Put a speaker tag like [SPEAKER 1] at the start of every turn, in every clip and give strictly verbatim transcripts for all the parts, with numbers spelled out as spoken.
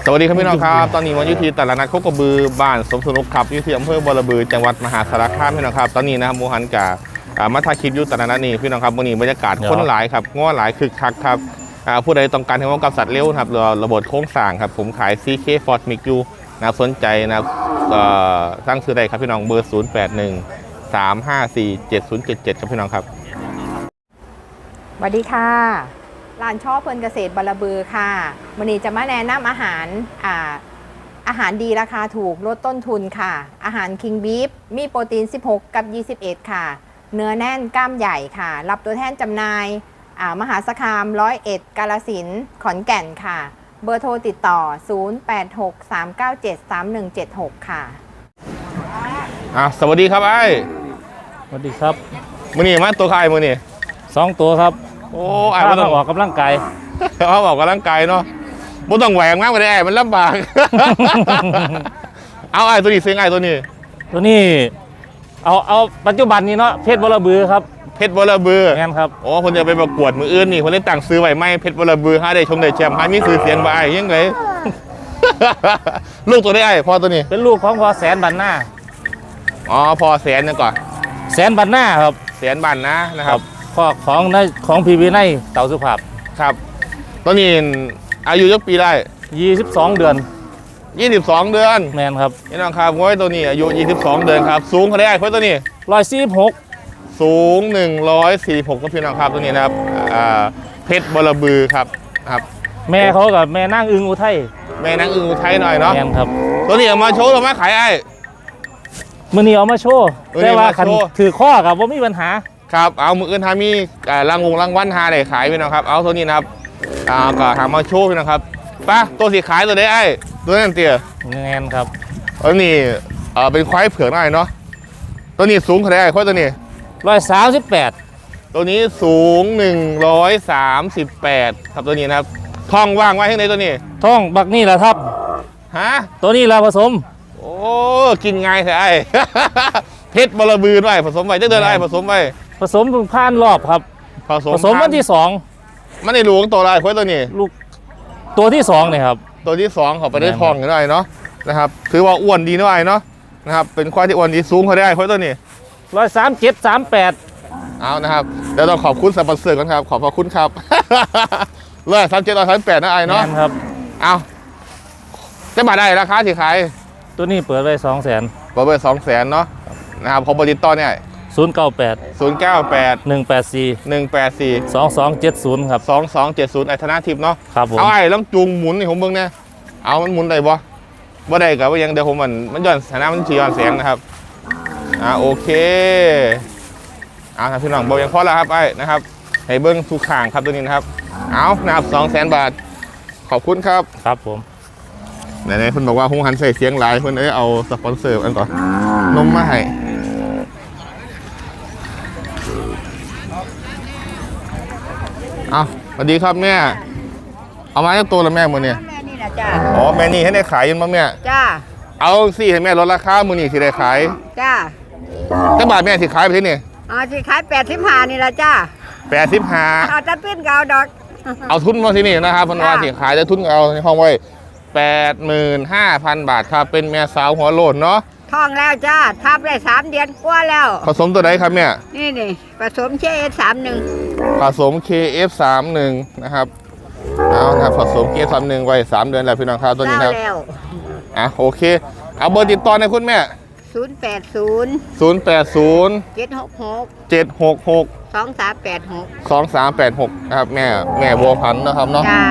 [SPEAKER 1] สวัสดีครับพี่น้องครับตอนนี้วันยุทธีตลาดนัดโคกระบือบ้านสมสนุกครับอยู่ที่อำเภอบอระบือจังหวัดมหาสารคามพี่น้องครับตอนนี้นะครับโมหันกามาถ่ายคลิปอยู่ตลาดนัดนี้พี่น้องครับวันนี้บรรยากาศคนหลายครับง้อหลายคึกคักครับผู้ใดต้องการให้ว่ากับสัตว์เลี้ยวครับระบบโค้งสร้างครับผมขาย ซี เค Ford Mix อยู่นะสนใจนะตั้งซื้อได้ครับพี่น้องเบอร์ศูนย์ แปด หนึ่ง สาม ห้า สี่ เจ็ด ศูนย์ เจ็ด เจ็ดครับพี่น้องครับ
[SPEAKER 2] สวัสดีค่ะร้านช่อเพลินเกษตรบอระบือค่ะวันนี้จะมาแนะนำอาหารอ่าอาหารดีราคาถูกลดต้นทุนค่ะอาหารคิงบีฟมีโปรตีนสิบหกกับยี่สิบเอ็ดค่ะเนื้อแน่นกล้ามใหญ่ค่ะรับตัวแทนจำหน่ายมหาสารคามร้อยเอ็ดกาฬสินธุ์ขอนแก่นค่ะเบอร์โทรติดต่อศูนย์ แปด หก สาม เก้า เจ็ด สาม หนึ่ง เจ็ด หกค่ะ
[SPEAKER 1] อ่ะสวัสดีครับไอ้
[SPEAKER 3] สวัสดีครับ
[SPEAKER 1] มือนี่มาตัวใครมือนี่
[SPEAKER 3] สองตัวครับ
[SPEAKER 1] โอ้ไอ้ไม่ต้อง
[SPEAKER 3] ออกกำลังกาย
[SPEAKER 1] เขาออกกำลังกายเนาะไม่ต้องแหวกมากไปได้มันลำบากเอาไอ้ตัวนี้ซื้อไอ้ตัวนี้
[SPEAKER 3] ตัวนี้เอาเอาปัจจุบันนี้เนาะเพชรบอระบือครับ
[SPEAKER 1] เพชรบอระบือ
[SPEAKER 3] งั้นครับ
[SPEAKER 1] โอ้คนจะไปประกวดมืออื่นนี่คนได้ต่างซื้อไว้ไม่เพชรบอระบือฮะได้ชมได้แชมป์ฮะมีซื้อเสียงไปยังไงลูกตัวได้ไอ้พ่อตัวนี้
[SPEAKER 3] เป็นลูกของพอแสนบันหน้า
[SPEAKER 1] อ๋อพอแสนนึงก่อน
[SPEAKER 3] แสนบันหน้าครับ
[SPEAKER 1] แสนบันนะนะครับ
[SPEAKER 3] ข้อของในของพีวีในเต่าสุภาพ
[SPEAKER 1] ครับตัวนี้อายุยักปีได้
[SPEAKER 3] ยี่สิบสองเดือน
[SPEAKER 1] ยี่สิบสองเดือน
[SPEAKER 3] แมนครับ
[SPEAKER 1] นี่น้องครับง้อยตัวนี้อายุยี่สิบสองเดือนครับสูงเขาได้ไอ้พ่อตัวนี้
[SPEAKER 3] ร้อยสี่สิบหก
[SPEAKER 1] สูงหนึ่งร้อยสี่สิบหกก็พี่น้องครับตัวนี้นะครับเพชรบอระบือครับครับ
[SPEAKER 3] แม่เขากับแม่นั่งอึงอุทัย
[SPEAKER 1] แม่นั่งอึงอุทัยหน่อยเนาะ
[SPEAKER 3] แมนครับ
[SPEAKER 1] ตัวนี้เอามาโชว์เรามาขายไอ้
[SPEAKER 3] มือนี้เอามาโชว์แต่ว่าคันถือข้อกับว่ามีปัญหา
[SPEAKER 1] ครับเอามืออื่นทามีรางวงรางวัลหาได้ขายพี่น้องครับเอาตัวนี้นะครับอ่าก็หามาโชว์พี่น้องครับป้าตัวสีขายตัวได้ไอ้ตัวนั้นเตี้ย
[SPEAKER 3] แน่นครับ
[SPEAKER 1] ตัวนี้เออเป็นควายเผือกหน่อยเนาะตัวนี้สูงเท่าไหร่ควายตัวนี้
[SPEAKER 3] ร้อยสามสิบแปด
[SPEAKER 1] ตัวนี้สูงหนึ่งร้อยสามสิบแปดครับตัวนี้นะครับท้องว่างไว้ให้ในตัวนี้
[SPEAKER 3] ท้องบักนี่แหละครับ
[SPEAKER 1] ฮะ
[SPEAKER 3] ตัวนี้เราผสม
[SPEAKER 1] โอ้กินง่ายแท้ไอ้เพชรบอระบือด้วยผสมไว้จะเดินไอ้ผสมไว้
[SPEAKER 3] ผสมถึงผ่านรอบครับ
[SPEAKER 1] ผสม
[SPEAKER 3] ผสมวันที่สอง
[SPEAKER 1] มันในหลวงตัวอะไรควายตัวนี้
[SPEAKER 3] ลูกตัวที่สองเนี่ยครับ
[SPEAKER 1] ตัวที่สองเขาไปได้ทองอยู่ด้วยเนาะนะครับถือว่าอ้วนดีด้วยเนาะนะครับเป็นควายที่อ้วนดีสูงเขาได้ควายตัวนี้
[SPEAKER 3] ร้อยสามเจ็ดสามแปด
[SPEAKER 1] เอานะครับเดี๋ยวต้องขอบคุณสปอนเซอร์กันครับขอบพระคุณครับร้อยสามเจ็ดร้อยสามแปดนะไอ้เนาะ
[SPEAKER 3] ครับ
[SPEAKER 1] เอาจะมาได้ราคาที่ขาย
[SPEAKER 3] ตัวนี้เปิดไว้สองแสน
[SPEAKER 1] เปิดไว้สองแสนเนาะนะครับของบริษัทต่อเนี่ย
[SPEAKER 3] ศูนย์เก้าแปด
[SPEAKER 1] ศูนย์เก้าแปด
[SPEAKER 3] หนึ่งแปดสี่
[SPEAKER 1] หนึ่งแปดสี่
[SPEAKER 3] สองสองเจ็ดศูนย์ครับ
[SPEAKER 1] สองสองเจ็ดศูนย์ไอ้ธนาทิพย์เนาะ
[SPEAKER 3] ครับผม
[SPEAKER 1] เอาไอ้ต้องจูงหมุนนี่ผมเบิ่งเนี่ยเอามันหมุนได้บ่บ่ได้กับว่ายังเดี๋ยวผมมันมันย้อนสถานะมันชี้ย้อนแสงนะครับอ่าโอเคเอาครับพี่น้องบอกยังพอแล้วครับไอ้นะครับให้เบิ้งทุกข่างครับตัวนี้นะครับเอานะครับสองแสนบาทขอบคุณครับ
[SPEAKER 3] ครับผม
[SPEAKER 1] ไหนๆคุณบอกว่าผมหันใส่เสียงหลายคุณเอ้ยเอาสปอนเซอร์อันก่อนนมมาให้เอาสวัสดีครับแม่เอามาจากตัวละแม่มือเนี่ย
[SPEAKER 2] แม่นี่แหละจ้า
[SPEAKER 1] อ๋อแม่นี่ให้ได้ขายยันมาแม่
[SPEAKER 2] จ้า
[SPEAKER 1] เอาสิให้แม่ลดราคามือนี่สิได้ขาย
[SPEAKER 2] จ้า
[SPEAKER 1] จ้าบาทแม่สิขายไปที่นี่
[SPEAKER 2] อ๋อสิขายแปดสิบห้านี่แหละจ้า
[SPEAKER 1] แปดสิบห้า
[SPEAKER 2] เอาจัดเป็นเก่าดอก
[SPEAKER 1] เอาทุนมาที่นี่นะครับพันวาสิขายจะทุนเอาในห้องไว้แปดหมื่นห้าพันบาทครับเป็นแม่สาวหัวโลดเนาะ
[SPEAKER 2] ท้องแล้วจ้าทับได้สามเดือนกว่าแล้ว
[SPEAKER 1] ผสมตัวไหนครับเนี่ย
[SPEAKER 2] นี่นี่ผสมเคเอฟสามหนึ่ง
[SPEAKER 1] ผสม เค เอฟ สามสิบ นะครับเอานะครับผสม เค เอฟ สามสิบ ไว้สามเดือนแล้วพี่น้องครับตัวนี้ครับอ่ะโอเคเอาเบอร์ติดต่อในคุณแม่
[SPEAKER 2] ศูนย์แปดศูนย์
[SPEAKER 1] ศูนย์แปดศูนย์
[SPEAKER 2] เจ็ดหกหก
[SPEAKER 1] เจ็ดหกหก
[SPEAKER 2] สองสามแปดหก
[SPEAKER 1] สองสามแปดหกนะครับแม่แม่บัวพันธุ์นะครับเนาะ
[SPEAKER 2] จ้า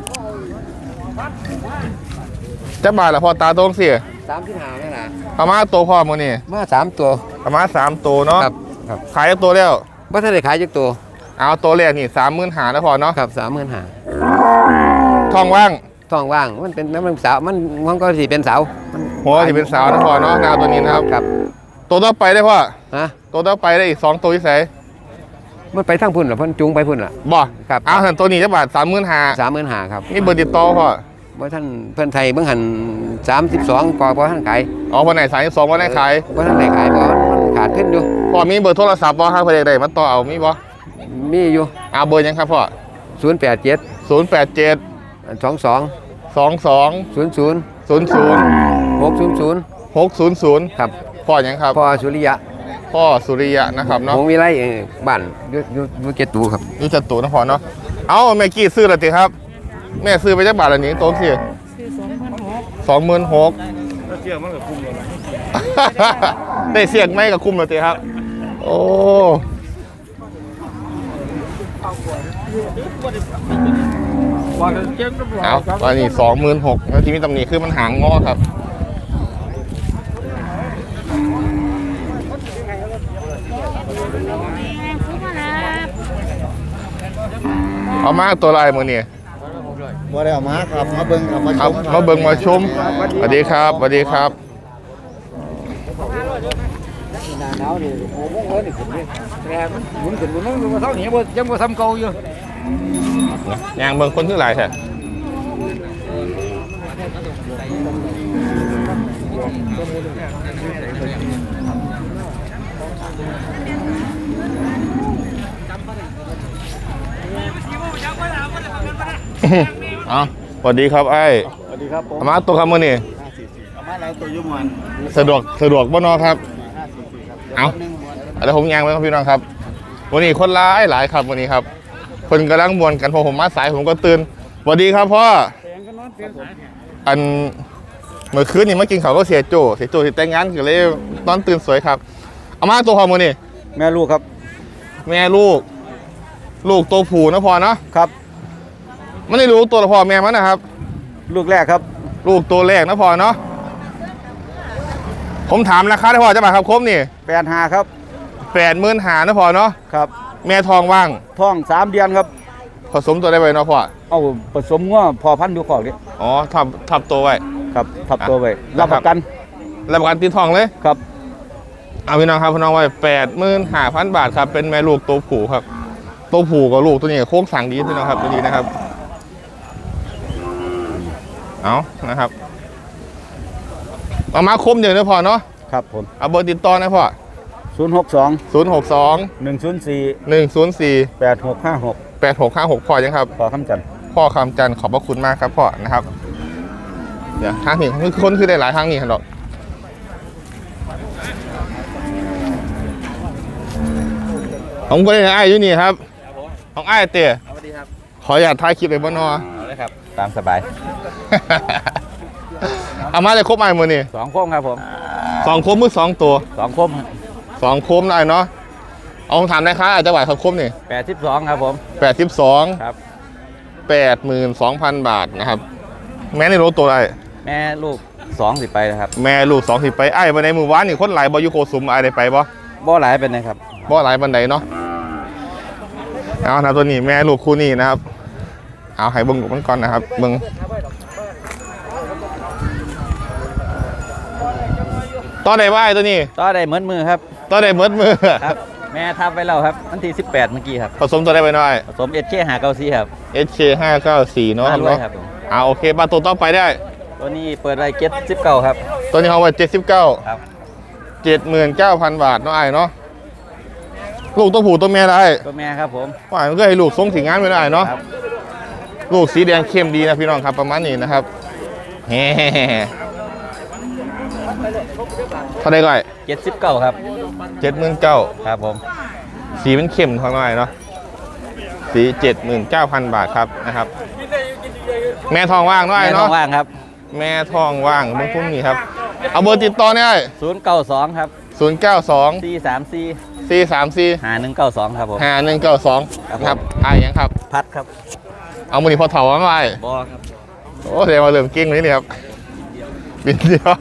[SPEAKER 1] จะบาทละพอตาตรงสิ
[SPEAKER 4] สามที่หาไหมล่ะ
[SPEAKER 1] ประมาณตัวพ่อมือนี่
[SPEAKER 4] มาสามตัว
[SPEAKER 1] ประมาณสามตัวเนาะ
[SPEAKER 4] ครับครับ
[SPEAKER 1] ขายตัวแล้ว
[SPEAKER 4] ว่าถ้าได้ขายจักตัว
[SPEAKER 1] เอาตัวแรกนี่สามหมื่นหาแล้วพอเนาะ
[SPEAKER 4] ครับสามหมื่นหา
[SPEAKER 1] ทองว่าง
[SPEAKER 4] ทองว่างมันเป็นน้ำมันสาวมันมันก็สีเป็นสาว
[SPEAKER 1] หัวสีเป็นสาวนะพอเนาะแนวตัวนี้นะครับ
[SPEAKER 4] ครับ
[SPEAKER 1] ตัวต่อไปได้พ่อ
[SPEAKER 4] ฮะ
[SPEAKER 1] ตัวต่อไปได้อีกสองตัวที่ใส่
[SPEAKER 4] มันไปทั้งพุ่นหรอพันจุงไปพุ่นหรอ
[SPEAKER 1] บ่ครับเอาหันตัวนี้จะบาทสามหมื่นหา
[SPEAKER 4] สามหมื่นหาครับ
[SPEAKER 1] นี่เบอร์ติดต่อพ่อ
[SPEAKER 4] ว่าท่านเพื่อนไทยเบื้องหันสามสิบสองพอพอท่านขาย
[SPEAKER 1] อ๋อวันไหนสายสองวันไหนขาย
[SPEAKER 4] วันท่านไหนขายพอมันขาดขึ้นอยู่
[SPEAKER 1] พ่อมีเบอร์โทรศัพท์พ่อครับเพื่อนใดมาต่อเอามีบ่
[SPEAKER 4] มีอยู่
[SPEAKER 1] เอาเบอร์ยังครับพ่อ
[SPEAKER 4] ศูนย์แปดเจ็ด
[SPEAKER 1] ศูนย์แปดเจ็ด
[SPEAKER 4] สองสอง
[SPEAKER 1] สองสอง
[SPEAKER 4] ศูนย์ศูนย์
[SPEAKER 1] ศูนย์ศูนย์
[SPEAKER 4] หกศูนย์ศูนย์
[SPEAKER 1] หกศูนย์ศูนย์
[SPEAKER 4] ครับ
[SPEAKER 1] พ่อหยังครับ
[SPEAKER 4] พ่อสุริยะ
[SPEAKER 1] พ่อสุริยะนะครับเนาะ
[SPEAKER 4] หงวิไลเอ่อบ้านอยูอยูอยูเกตูครับ
[SPEAKER 1] นี่จะตู่นะพ่อเนาะเอาแม่กี้ซื้อและติครับ แม่ซื้อไปจักบาทละนี้โต๊ะสิสองหมื่นหกเสียงมันกับคุ้มเลยได้เสียงไหมกับคุ้มเลยติครับ โอ้เอาตอนนี้สองหมื่นหกแล้วที่มีตำหนิคือมันหางงอครับเอามาตัวลายมือนี่
[SPEAKER 5] บ่ได้เอามาครับมาเบิ่งเอามาช
[SPEAKER 1] เอา
[SPEAKER 5] ม
[SPEAKER 1] มาเบิ่งมาชมสวัสดีครับสวัสดีครับ
[SPEAKER 5] หน้าหนาวนี่โอ้โหเอ้ยนี่ขึ้นนี่แต่มันหมุนขึ้นหมุนลงมาเท่านี้บ่ยังบ่ซ้ำเก่าอยู่
[SPEAKER 1] ยางเบิ่งคนที่หลายแท้ เอาสวัสดีครับไอ้
[SPEAKER 5] สวัสดีครับผม
[SPEAKER 1] เอามาตัวคำมือนี่
[SPEAKER 5] เอามาหลายตัวอยู่มัน
[SPEAKER 1] สะดวกสะดวกบ่เนอครับ เอาแล้วผมยางไว้ครับพี่น้องครับ วันนี้คนร้ายหลายครับวันนี้ครับ คนกำลังมวนกันพอผมมาสายผมก็ตื่นสวัสดีครับพ่อ อันเมื่อคืนนี่มากินเขาวก็เสียโจเสียโจที่แต่งงานก็เลยนอนตื่นสวยครับ เอามาตัวพอมือนี่
[SPEAKER 5] แม่ลูกครับ
[SPEAKER 1] แม่ลูก ลูกตัวผู้นะพอเนาะ
[SPEAKER 5] ครับ
[SPEAKER 1] ไม่ได้รู้ตัวละพอแม่มันนะครับ
[SPEAKER 5] ลูกแรกครับ
[SPEAKER 1] ลูกตัวแรกนะพอเนาะผมถามราคาได้พอจะมาครับครบนี่
[SPEAKER 5] แปดห้าครับ
[SPEAKER 1] แปดหมื่นหานะพอเนาะ
[SPEAKER 5] ครับ
[SPEAKER 1] แม่ทองว่าง
[SPEAKER 5] ท้องสามเดือนครับ
[SPEAKER 1] ผสมตัวได้ไว้เนาะพ่อ
[SPEAKER 5] เอาผสมงัวพอพันธุ์อยู่ขอกนี่
[SPEAKER 1] อ๋อทับทับตัวไว้
[SPEAKER 5] ครับทับตัวไว้
[SPEAKER 1] อ่ะ
[SPEAKER 5] รับประกัน
[SPEAKER 1] รับประกันตีทองเลย
[SPEAKER 5] ครับ
[SPEAKER 1] เอาพี่น้องครับพี่น้องไว้แปดหมื่นห้าพันบาทครับเป็นแม่ลูกตัวผู้ครับตัวผู้กับลูกตัวนี้โค้งสั่งดีพี่น้องครับตัวนี้นะครับเอานะครับเอามาคมเดียวนะพอเนาะ
[SPEAKER 5] ครับผม
[SPEAKER 1] เอาเบอร์ติดต่อนะพ่อ
[SPEAKER 5] ศูนย์หกสอง
[SPEAKER 1] ศูนย์หกสอง
[SPEAKER 5] หนึ่งศูนย์สี่
[SPEAKER 1] หนึ่งศูนย์สี่
[SPEAKER 5] แปดหกห้าหก
[SPEAKER 1] แปดหกห้าหกพ่อยังครับ
[SPEAKER 5] พอคำจันทร์
[SPEAKER 1] พ่อคำจันทร์ขอบพระคุณมากครับพ่อนะครับเดี๋ยวทางนี้คือคนคือได้หลายทางนี่ครับดอกของคนนี้ไอ้ายอยู่นี่ครับของไอ้ายเตี๋ย
[SPEAKER 5] สวัสดีครับ
[SPEAKER 1] ขออยากถ่ายคลิปไปบ้านนอ
[SPEAKER 5] เอาเลยครับ ตามสบาย
[SPEAKER 1] เอามาเลยครบไอ้ายมือนี่
[SPEAKER 5] สองโคมครับผม
[SPEAKER 1] สองโคมมือสองตัว
[SPEAKER 5] สองโคม
[SPEAKER 1] สองโคมได้เนาะเอาถามได้ครับอาจจะไหวครับครบนี่
[SPEAKER 5] แปดสิบสองครับผม
[SPEAKER 1] แปดสิบสอง
[SPEAKER 5] ครับ
[SPEAKER 1] แปดหมื่นสองพันบาทนะครับ แม่ในรถตัวอะไร
[SPEAKER 5] แม่ลูกสองสิไปนะครับ
[SPEAKER 1] แม่ลูกสองสิไปไอ้บันไดมือวานนี่คนหลายบอยูโคซุมไอ้ได้ไปบ่
[SPEAKER 5] บ่หลายเป็นนะครับ
[SPEAKER 1] บ่หลายบันไดเนาะเอานะตัวนี้แม่ลูกคู่นี้นะครับ เอาให้เบิ้งลูกมันก่อนนะครับเบิ้งต่อได้บ่ไอ้ตัวนี้
[SPEAKER 5] ต่อได้เหมือนมือครับ
[SPEAKER 1] ต่อได้เมิดมือ
[SPEAKER 5] ครับ แม่ทับไปแล้วครับวันที่สิบแปดเมื่อกี้ครับ
[SPEAKER 1] ผสมตัวได้ไปหน่อย
[SPEAKER 5] ผสมเอชเคหาเก้าซีครับ
[SPEAKER 1] เอช เค ห้าเก้าสี่เนาะ
[SPEAKER 5] มาด้วย
[SPEAKER 1] เนาะ
[SPEAKER 5] ครับผม
[SPEAKER 1] เอาโอเคมาตัวต่อไปได้
[SPEAKER 5] ตัวนี้เปิดไว้เก็ตสิบเก้าครับ
[SPEAKER 1] ตัวนี้เขาไว้เจ็ดสิบเก้า
[SPEAKER 5] ครับ
[SPEAKER 1] เจ็ดหมื่นเก้าพันบาทเนาะไอ้เนาะลูกตัวผู้ตัวเมียได้
[SPEAKER 5] ตัวแม่ครับผม
[SPEAKER 1] ว่ามันก็ให้ลูกทรงสีงานไม่ได้เนาะ
[SPEAKER 5] ครับ
[SPEAKER 1] ลูกสีแดงเข้มดีนะพี่น้องครับประมาณนี้นะครับเฮ้เท่าไดก่อย
[SPEAKER 5] เจ็ดสิบเก้าครับ
[SPEAKER 1] เจ็ดหมื่นเก้า
[SPEAKER 5] ครับผม
[SPEAKER 1] สีมันเข้มทางหน่อยเนาะสีเจ็ดหมื่นเก้าพันบาทครับนะครับ แม่ทองว่างเนาะ
[SPEAKER 5] แม่
[SPEAKER 1] ไอ้
[SPEAKER 5] ท้อ
[SPEAKER 1] เนาะ
[SPEAKER 5] งว่างครับ
[SPEAKER 1] แม่ทองว่างเมื่อพรุ่งนี้ครับเอาเบอร์ติดต่อเนี่ย
[SPEAKER 5] ศูนย์เก้าสองครับ
[SPEAKER 1] ศูนย์เก้าสอง
[SPEAKER 5] สี่สามสี่
[SPEAKER 1] สี่สามสี่
[SPEAKER 5] หาหนึ่งเก้าสองครับผม
[SPEAKER 1] ห้าหนึ่งเก้าสอง
[SPEAKER 5] ครับ
[SPEAKER 1] ครับ
[SPEAKER 5] ผม
[SPEAKER 1] ไอ้ยังครับ
[SPEAKER 5] พัดครับ
[SPEAKER 1] เอามือนีพอเถามาไว้
[SPEAKER 5] บอครับ
[SPEAKER 1] โอ้เดี๋ยวมาเริ่มเก่งเลยนี่ครับบินเดียว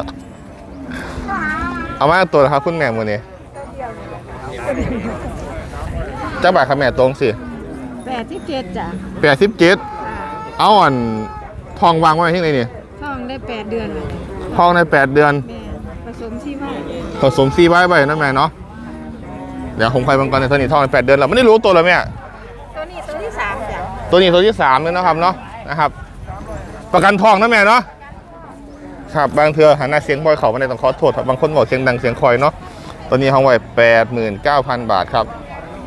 [SPEAKER 1] เอามาตัวนะครับคุณแม่มือนี้เจ้าบ่ายคำแม่ตรงสิ
[SPEAKER 6] แปดที่เจ็ดจ้ะ
[SPEAKER 1] แปดสิบเจ็ดเอาอ่อนทองวางไว้ที่ไหนนี่
[SPEAKER 6] ท้องได้แปดเดือนเลย
[SPEAKER 1] ทองในแปดเดือน
[SPEAKER 6] แม่ผสมชีวะ
[SPEAKER 1] ผสมซีไว้ไปนะแม่เนาะเดี๋ยวผมไปบังกรในตัวนี้ทองในแปดเดือนเราไม่ได้รู้ตัวเลยแม่
[SPEAKER 6] ตัวนี้ตัวที่สามจ้ะ
[SPEAKER 1] ตัวนี้ตัวที่สามเลยนะครับเนาะนะครับ ประกันทองนะแม่เนาะครับบางเทือหันหน้าเสียงบอยเขามาในต้องขอโทษครับบางคนบอกเสียงดังเสียงคอยเนาะตัวนี้ห้องไว้แปดหมื่นเก้าพันบาทครับ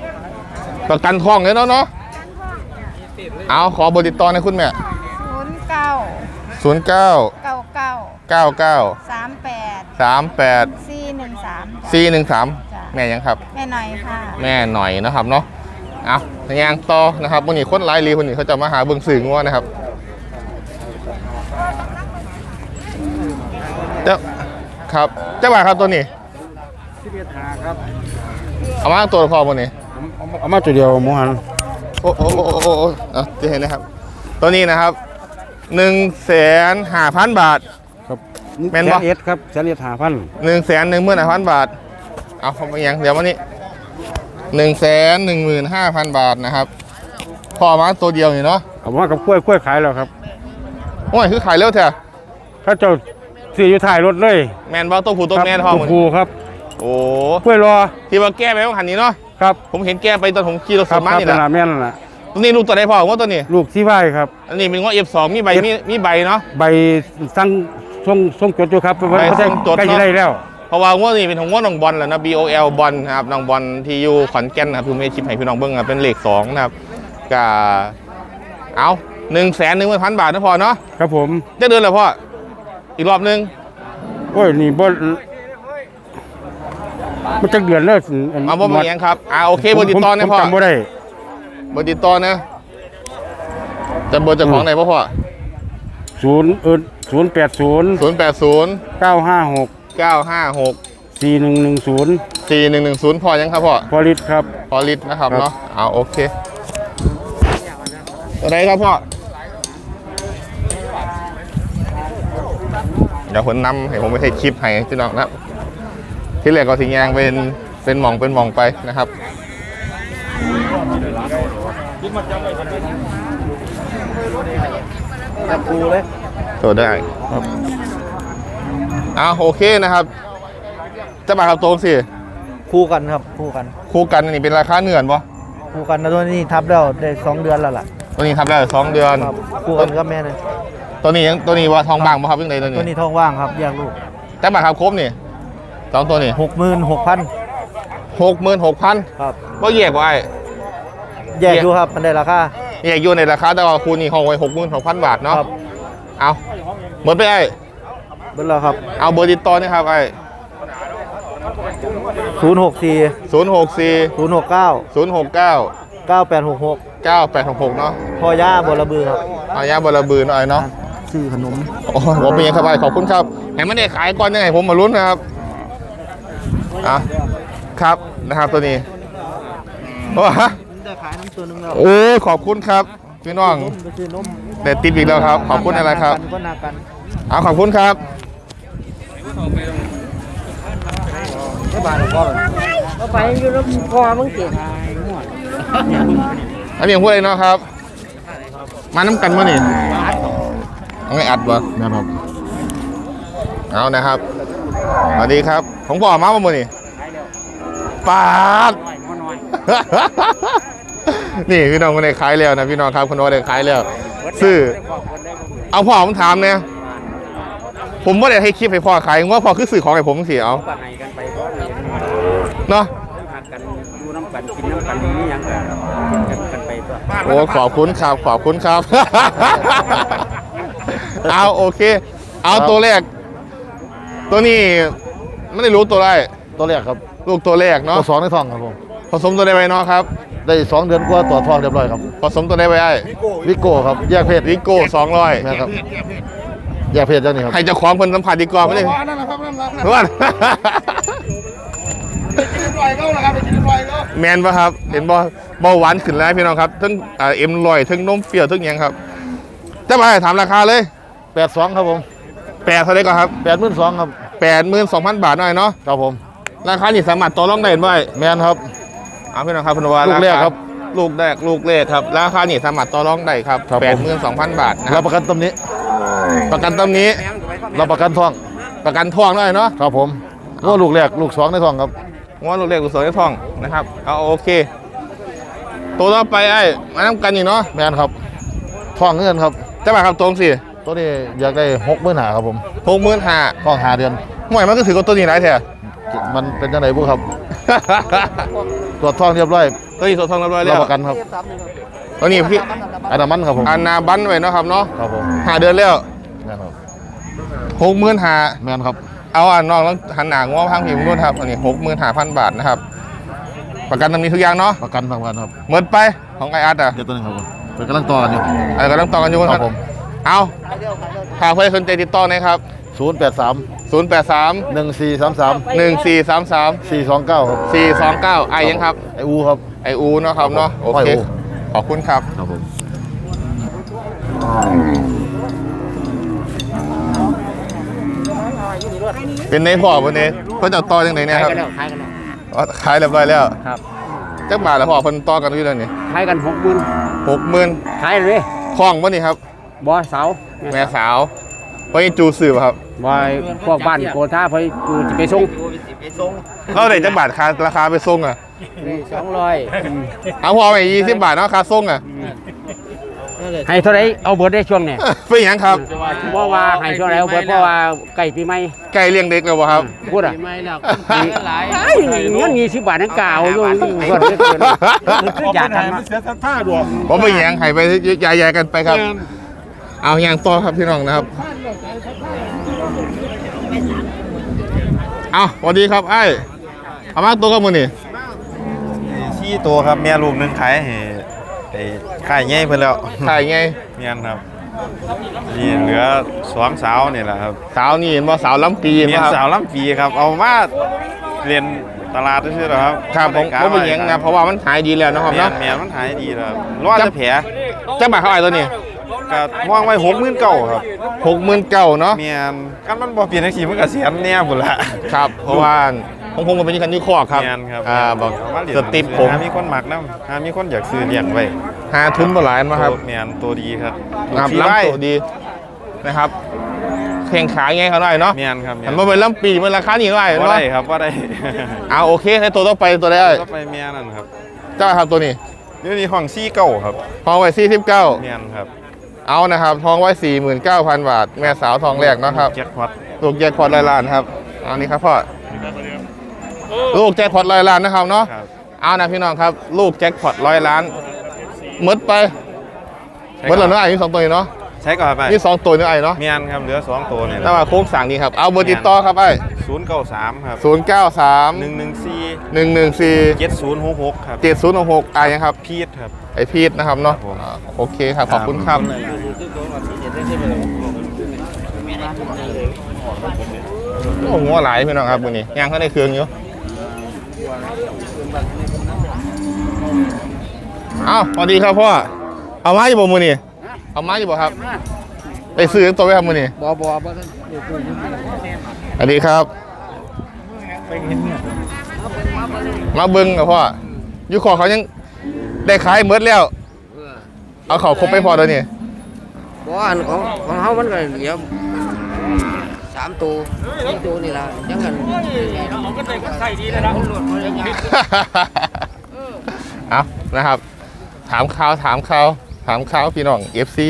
[SPEAKER 1] ประกันทองเลยเนาะเนาะเอาขอเบอร์ติดต่อในอยคุณแม่
[SPEAKER 6] ศูนย์เก้า
[SPEAKER 1] ศูนย์เก้า
[SPEAKER 6] เก้าเก้า
[SPEAKER 1] เก้าเก้า
[SPEAKER 6] สามแปด
[SPEAKER 1] สามแปด
[SPEAKER 6] สี่หนึ่งสาม
[SPEAKER 1] สี่หนึ่งสาม
[SPEAKER 6] จ้ะ
[SPEAKER 1] แม่ยังครับ
[SPEAKER 6] แม่หน่อยค่ะ
[SPEAKER 1] แม่หน่อยนะครับเนาะเอายางต่อนะครับวันนี้คนไลฟ์รีวันนี้เขาจะมาหาเบิ่งสื่องัวนะครับเจ้าครับเจ้าบ่าวครับตัวนี้
[SPEAKER 5] ที่เบียหาครับ
[SPEAKER 1] เอามาตัวพอวันนี้
[SPEAKER 5] เอามาตัวเดียวหมูหัน
[SPEAKER 1] โอ้โอ้โอ้โอ้โอ้เอาจะเห็นนะครับ ตัวนี้นะครับหนึ่งแสนห้าพันบาท
[SPEAKER 5] ครับ
[SPEAKER 1] แม่นบ่
[SPEAKER 5] เอสครับแสนเอสหาพัน
[SPEAKER 1] หนึ่งแสนหนึ่งหมื่นห้าพันบาทเอาเข้าไปยังเดี๋ยววันนี้หนึ่งแสนหนึ่งหมื่นห้าพันบาทนะครับพอมาตัวเดียวนี่เนาะ
[SPEAKER 5] เอามากับกล้วยกล้วยขายแล้วครับ
[SPEAKER 1] โอ้ยคือขายเร็วเถอะ
[SPEAKER 5] ถ้าเจ้าซื้ออยู่ถ่ายรถเลย
[SPEAKER 1] แมนบอลตัวผู้ตัวแม่ทอง
[SPEAKER 5] ครับครูครับ
[SPEAKER 1] โอ้
[SPEAKER 5] กล้วยรอ
[SPEAKER 1] ที่ว่าแก้ไปว่าหันนี้เนาะ
[SPEAKER 5] ครับ
[SPEAKER 1] ผมเห็นแก้ไปตอนผมขี่รถ
[SPEAKER 5] ค
[SPEAKER 1] ส
[SPEAKER 5] รับ
[SPEAKER 1] มา
[SPEAKER 5] ครับ
[SPEAKER 1] นี่
[SPEAKER 5] เป็น
[SPEAKER 1] แห
[SPEAKER 5] ลา
[SPEAKER 1] ละ
[SPEAKER 5] แม่นนแหละ
[SPEAKER 1] ตัวนี้ลูกตัวไหนพ่อว่าตัวนี้
[SPEAKER 5] ลูกที่ไหวครับ
[SPEAKER 1] อันนี้เป็นง้อ เอฟ สอง มีใบมีมีใบเนาะ
[SPEAKER 5] ใบสั่งส่งส่งจดอยู่ครับ
[SPEAKER 1] ใบส่งจดเนอะ
[SPEAKER 5] ใกล้จะได้แล้ว
[SPEAKER 1] เพราะว่าง้อนี่เป็นของง้อน้องบอลแหละนะ บี โอ แอล บอลนะครับน้องบอลที่อยู่ขอนแก่นนะครับคือไม่ชิปให้พี่น้องเบิ้งอะเป็นเลขสองนะครับก็เอาหนึ่งแสนหนึ่งพันบาทนะพ่อเนาะ
[SPEAKER 5] ครับผม
[SPEAKER 1] จะเดินเลยพ่ออีกรอบนึง
[SPEAKER 5] โอ้ยนี่บ่มันจะเดือนแล้ว
[SPEAKER 1] เอาบ่มีอย่างครับอ่าโอเคเบอร์ติดต่อนะพ่อ
[SPEAKER 5] ผมจำบ่ได้
[SPEAKER 1] เบอร์ติดต่อนะจะเบอร์เจ้าของไหนพ่อพ่อ
[SPEAKER 5] ศูนย์เออศูนย์แปดศูนย์
[SPEAKER 1] ศูนย์แปดศูนย์
[SPEAKER 5] เก้าห้าหก
[SPEAKER 1] เก้าห้าหก
[SPEAKER 5] สี่หนึ่งหนึ่งศูนย์
[SPEAKER 1] สี่หนึ่งหนึ่งศูนย์พอยังครับพ่อ
[SPEAKER 5] พอลิตครับ
[SPEAKER 1] พอลิตรนะครับ
[SPEAKER 5] ครับ
[SPEAKER 1] เนาะเอาโอเคตัวไหนครับพ่อเดี๋ยวผมนำให้ผมไปให้คลิปให้พี่น้องนะครับที่เหลือก็สิแยงเป็นเป็นหมองเป็นหมองไปนะครับตัวได้ครับเอาโอเคนะครับจะมาครับตรงสิ
[SPEAKER 7] คู่กันครับคู่กัน
[SPEAKER 1] คู่กันนี่เป็นราคาเหนื่อนปะ
[SPEAKER 7] คู่กันนะตัวนี้ทับแล้วได้สองเดือนแล้วล่ะ
[SPEAKER 1] ตัวนี้ทำได้สองเดือน
[SPEAKER 7] ครับคู่กันกับแม่เลย
[SPEAKER 1] ตัวนี้ยังตัวนี้ว่าทองบางป่ะครับยังไงตัวนี้
[SPEAKER 7] ตัวนี้ท้องว่างครับแยกลูก
[SPEAKER 1] แต่มาครับครบนี่สองตัวนี่
[SPEAKER 7] หกหมื่นหกพัน
[SPEAKER 1] หกหมื่นหกพัน
[SPEAKER 7] ครับ
[SPEAKER 1] ก็แยกไว้
[SPEAKER 7] แยกอยู่ครับมันได้ราคา
[SPEAKER 1] แยกอยู่ในราคาแต่ว่าคูณนี่ห้องไว้หกหมื่นหกพันบาทเนาะ
[SPEAKER 7] ครับ
[SPEAKER 1] เอาหมดไปไอ้
[SPEAKER 7] เบิ้ลแล้วครับ
[SPEAKER 1] เอาเบอร์ติดต่อนะครับไอ้
[SPEAKER 7] ศูนย์หกสี่
[SPEAKER 1] ศูนย์หกสี่
[SPEAKER 7] ศูนย์หกเก้า
[SPEAKER 1] ศูนย์หกเก้า
[SPEAKER 7] เก้าแปดหกหก
[SPEAKER 1] เก้าแปดหกหกเนาะ
[SPEAKER 7] พ่อย่าบระบือครับ
[SPEAKER 1] เอาย่าบอระบือหน่อยเนาะ
[SPEAKER 7] ซื้อขนม
[SPEAKER 1] โอ้โหผมเป็นยังครับไอ้ขอบคุณครับเห็นมันได้ขายก่อนยังไงผมมาลุ้นนะครับอ่ะครับนะครับตัวนี้โอ้ฮะ
[SPEAKER 7] ได้ขายน้ำตัวนึงแล้ว
[SPEAKER 1] โอ้ขอบคุณครับพี่น้อง
[SPEAKER 7] ไปซื้อนม
[SPEAKER 1] เด็ดติดอีกแล้วครับ ขอบคุณอะไรครับ
[SPEAKER 7] ก็นากัน
[SPEAKER 1] เอาขอบคุณครับ
[SPEAKER 7] ไม่บาดหรอกพ่อก็ไปอยู่แล้วพ่อมึงเก่ง
[SPEAKER 1] อันนี้ผมพูดอะไรเนาะครับ มาน้ำกันมั้นี่เอาไงอัดวะนะครับเอานะครับสวัสดีครับผมบอกมาเมื่อนี่ปาด นี่พี่น้องคนไหนขายแล้วนะพี่น้องครับคนโน้นได้ขายแล้วซื้อเอาพ่อผมถามเนี่ยผมว่าได้ให้คลิปให้พ่อขายว่าพ่อคือสื่อของให้ผมสิเอาเนาะโอ้ขอบคุณครับขอบคุณครับ เอาโอเค เอาตัวแรก ตัวนี้ไม่ได้รู้ตัวแรก
[SPEAKER 8] ตัวแรกครับ
[SPEAKER 1] ลูกตัวแรกเนาะ
[SPEAKER 8] ตัวสองในท้องครับผม
[SPEAKER 1] ผสมตัวใดไปเนาะครับ
[SPEAKER 8] ได้สองเดือนกว่าต่อท้องเรียบร้อยครับ
[SPEAKER 1] ผสมตัวใดไปไอ้
[SPEAKER 8] วิโก้ครับแยกเพศ
[SPEAKER 1] วิโก้สองร้อย
[SPEAKER 8] นะครับแยกเพศเจ้านี่ครับ
[SPEAKER 1] ให้เจ้าของคนสัมผัสดีกว่าไม่ได้ว่า แมนปะครับ เห็นบ่เบาหวานขึ้นแล้วพี่น้องครับทั้งอ่าเอ็มลอยทั้งนมเปรี้ยวทั้งหยังครับจะมาถามราคาเลย
[SPEAKER 8] แปดสองครับผม
[SPEAKER 1] แปดเท่าไหร่ก่อนครับ
[SPEAKER 8] แปดหมื่นสองครับ
[SPEAKER 1] แปดหมื่นสองพันบาทหน่อยเนาะ
[SPEAKER 8] ครับผม
[SPEAKER 1] ราคานี่สามารถต่อรองได้ไหม
[SPEAKER 8] แมนครับ
[SPEAKER 1] เอาพี่น้องครับพนวา
[SPEAKER 8] ลูกแรกครับ
[SPEAKER 1] ลูกแรกลูกแรกครับราคานี่สามารถต่อรองได้ครับ
[SPEAKER 8] ครับ
[SPEAKER 1] แป
[SPEAKER 8] ผ
[SPEAKER 1] ด
[SPEAKER 8] ม
[SPEAKER 1] หมื่นสองพันบาทนะค
[SPEAKER 8] รั
[SPEAKER 1] รั
[SPEAKER 8] บบ ประกันตำหนี้
[SPEAKER 1] ประกันตำนี้
[SPEAKER 8] รับประกันท้อง
[SPEAKER 1] ประกันทองได้เนาะ
[SPEAKER 8] ครับผมว่าลูกแรกลูกสองในท้องครับ
[SPEAKER 1] ว่าลูกแรกลูกสองในทองนะครับเอาโอเค ตัวต่อไปไอ้มาน้ำกันนี่เนาะ
[SPEAKER 8] แมนครับท้องเงินครับ
[SPEAKER 1] จะมาครับตรงสิ
[SPEAKER 8] ตัวนี้อยากได้หกหมื่นหาครับผม
[SPEAKER 1] หกหมื่นห้า
[SPEAKER 8] ท้องหาเดือน
[SPEAKER 1] ห่วยมันก็ถือกับตัวนี้ไรแท้
[SPEAKER 8] มันเป็นยังไงบุครับตรวจท้องเรียบร้อย
[SPEAKER 1] ตัวนี้สดทองเรียบร้อยแล้
[SPEAKER 8] รับ
[SPEAKER 1] ว
[SPEAKER 8] ประกันครับ
[SPEAKER 1] ตัวนี้พี่
[SPEAKER 8] อันนั้นมันครับผม
[SPEAKER 1] อันนาบันไว้เนาะครับเนาะ
[SPEAKER 8] ครับผม
[SPEAKER 1] หาเดือนแล้ว
[SPEAKER 8] แม่นครับ
[SPEAKER 1] หกหมื่นหา
[SPEAKER 8] แม่นครับ
[SPEAKER 1] เอาอ่ะน้องแล้วหันหนางว่าพังผิวนู่นครับอันนี้หกหมื่นหาพันบาทนะครับประกันตำหนิทุกอย่างเนาะ
[SPEAKER 8] ประกันทำกันครับ
[SPEAKER 1] หมดไปของไออาร์ตอ่ะ
[SPEAKER 8] เดี๋ยวตัวหนึงครับผมเป็นกำลังต่อกันอยู่
[SPEAKER 1] อะไรก็ต้องต่อกันอยู่
[SPEAKER 8] ครับผม
[SPEAKER 1] เอาถ้าเพื่อนสนใจติดต่อนะครับ
[SPEAKER 8] ศูนย์แปดสาม
[SPEAKER 1] ศูนย์แปดสาม
[SPEAKER 8] หนึ่งสี่สามสาม
[SPEAKER 1] หนึ่งสี่สามสาม
[SPEAKER 8] สี่สองเก้าครับ
[SPEAKER 1] สี่สองเก้าไอยังครับ
[SPEAKER 8] ไออูครับ
[SPEAKER 1] ไออูเนาะครับเนาะโอ
[SPEAKER 8] ไอ
[SPEAKER 1] เค
[SPEAKER 8] อู
[SPEAKER 1] ขอบคุณครับ
[SPEAKER 8] ครับผม
[SPEAKER 1] เป็นในพ่อวันนี้เพิ่นจะต่อยังไงเนี่ยครับ
[SPEAKER 5] ขายกันแล้ว
[SPEAKER 1] อ๋อขายเรียบร้อยแล้ว
[SPEAKER 5] ครับ
[SPEAKER 1] จักบาทแล้วพ่อเพิ่นต่อกันอยู่แล้วนี่
[SPEAKER 5] ขายกันหกหมื่น
[SPEAKER 1] หกหมื่น
[SPEAKER 5] ขายเลย
[SPEAKER 1] คล้องบ่นี่ครับ
[SPEAKER 5] บอยเสา
[SPEAKER 1] แม่สาวเพิ่นจูสืบครับ
[SPEAKER 5] บอยพวกบ้านโกธาพอยจูจะไปส่ง
[SPEAKER 1] เราได้จักบาทค่าราคาไปส่งอ่ะ
[SPEAKER 5] สองร้อย
[SPEAKER 1] เอาพ่อไปยี่สิบบาทเนาะค่าส่งอ่ะ
[SPEAKER 5] ให้เท่าไรเอาเบิร์ดได้ช่วงเนี่ย
[SPEAKER 1] เป็นหยังครับ
[SPEAKER 5] เพราะว่าให้ช่วงไหนเอาเบิร์ดเพราะว่าไก่ปีใหม่
[SPEAKER 1] ไก่เลี้ยงเด็กแล้วบ่ครับ
[SPEAKER 5] พูดอ่ะเงินยี่สิบบาทนั่นกล่าวอยู่เบิร์ดได้เกินคืออยากทำ
[SPEAKER 7] เสียท่าดวง
[SPEAKER 1] ผมไปแยงให้ไปยายๆกันไปครับ เอาอย่างต่อครับพี่น้องนะครับ เอาสวัสดีครับไอ้เอามาตัวกับมือนี่
[SPEAKER 9] ชี้ตัวครับแม่ลูกหนึงขายให้ไอ้ขายง่ายเพิ่นแล้ว
[SPEAKER 1] ถ่ายไง
[SPEAKER 9] เมียนครับนี่เหลือสองสาวนี่แหละครับ
[SPEAKER 1] สาวนี่เห็นบ่สาวล้ำปี
[SPEAKER 9] เมีย
[SPEAKER 1] นะ
[SPEAKER 9] น
[SPEAKER 1] ครับ
[SPEAKER 9] สาวลำปีครับเอามาเรียนตลาดซื่อๆหรอครับ
[SPEAKER 1] ครับผมผมไปแยงนะเพราะว่ามันหายดีแล้วนะครับ
[SPEAKER 9] เมีย
[SPEAKER 1] เนาะ
[SPEAKER 9] นเมียนมันหายดีแล้วครับรอดจะแผล
[SPEAKER 1] จะมาเท่าไหร่ตัวนี้
[SPEAKER 9] ก็ว่างไว้หกหมื่นเก้าครับ
[SPEAKER 1] หกหมื่นเก้าเนาะ
[SPEAKER 9] เมียนกันมันบ่เปลี่ยนจังซี่มันก็เสียแน่พุ่นละ
[SPEAKER 1] ครับ เพราะว่าของผมมันเป็นกันที่คอกครับ
[SPEAKER 9] เมียนครับ
[SPEAKER 1] อ่าบอก
[SPEAKER 9] เามาเรียน
[SPEAKER 1] สติปผม
[SPEAKER 9] หามีคนมักนำหามีคนอยากซื้อเลี้ยงไว้
[SPEAKER 1] หาทุนบ่หลายมาครับ
[SPEAKER 9] เมียนตัวดีครับ
[SPEAKER 1] นะครับ
[SPEAKER 9] สีไว้
[SPEAKER 1] ล้ำตัวดีนะครับแข่งขาไงเขาหน่อยเนาะ
[SPEAKER 9] เมียนครับเมีย
[SPEAKER 1] หั
[SPEAKER 9] น
[SPEAKER 1] นมาเป็นล้ำปีมันราคานี่หน่อย
[SPEAKER 9] บ่
[SPEAKER 1] เนาะ
[SPEAKER 9] ได้ครับบ่ได้
[SPEAKER 1] เอาโอเคให้ตัวต่อไปตัวได้
[SPEAKER 9] ก็ไปเมียนั่นครับ
[SPEAKER 1] เจ้าครับตัวนี้
[SPEAKER 9] นี่นี่ห้องซี่เก้าครับ
[SPEAKER 1] ทองไว้สี่สิบเก้า
[SPEAKER 9] เมียนครับ
[SPEAKER 1] เอานะครับทองไว้สี่หมื่นเก้าพันบาท แม่สาวทองแรกเนาะครับ
[SPEAKER 9] แจ็คพอต
[SPEAKER 1] ลูกแจ็คพอตร้อยล้านครับเอานี่ครับพ่อลูกแจ็คพอตร้อยล้านนะครับเนาะ
[SPEAKER 9] ครับ
[SPEAKER 1] เอานะพี่น้องครับ ลูกแจ็คพอตร้อยล้านหมดไปหมดแล้วเนาะไอ้นี่สองตัวนี่เนาะ
[SPEAKER 9] ใช้ก่อนไป
[SPEAKER 1] นี่สองตัวนี่ไอ้เนาะ
[SPEAKER 9] เมียนครับเหลือสองตัวนี่แห
[SPEAKER 1] แต่
[SPEAKER 9] ละ
[SPEAKER 1] ว่าโค้งสั่งนี่ครับเอาเบอร์ติดต่อครับไอ้
[SPEAKER 9] ศูนย์เก้าสามครับ
[SPEAKER 1] ศูนย์เก้าสาม
[SPEAKER 9] หนึ่งหนึ่งสี่
[SPEAKER 1] หนึ่งหนึ่งสี่
[SPEAKER 9] เจ็ดศูนย์หกหกครับ
[SPEAKER 1] เจ็ดศูนย์หกไอ้ยังครับ
[SPEAKER 9] พีทครับ
[SPEAKER 1] ไอพีทนะครับเนาะ
[SPEAKER 9] ครับผม
[SPEAKER 1] อ่าโอเคครับ ขอบคุณครับโอ้โหหัวหลายพี่น้องครับมือนี้ย่างเขาในเครื่องอยู่เอ้าสวัสดีครับพ่อเอามาอยู่บ่มือนี้เอามาอยู่บ่ครับไปซื้อตัวไว้ครับมือนี้
[SPEAKER 5] บ่บ่บ่
[SPEAKER 1] สวัสดีครับมาเบิ้งกับพ่ออยู่ขอเขายังได้ขายเมดแล้ว เอาเขาครบไปพอแล้วนี่
[SPEAKER 7] บ่อันของของเฮามันก็เหลือสามตัวสี่ตัวนี่ล่ะยังกัน
[SPEAKER 1] เอานะครับ ถามข่าวถามข่าวถามข่าวพี่น้อง เอฟ ซี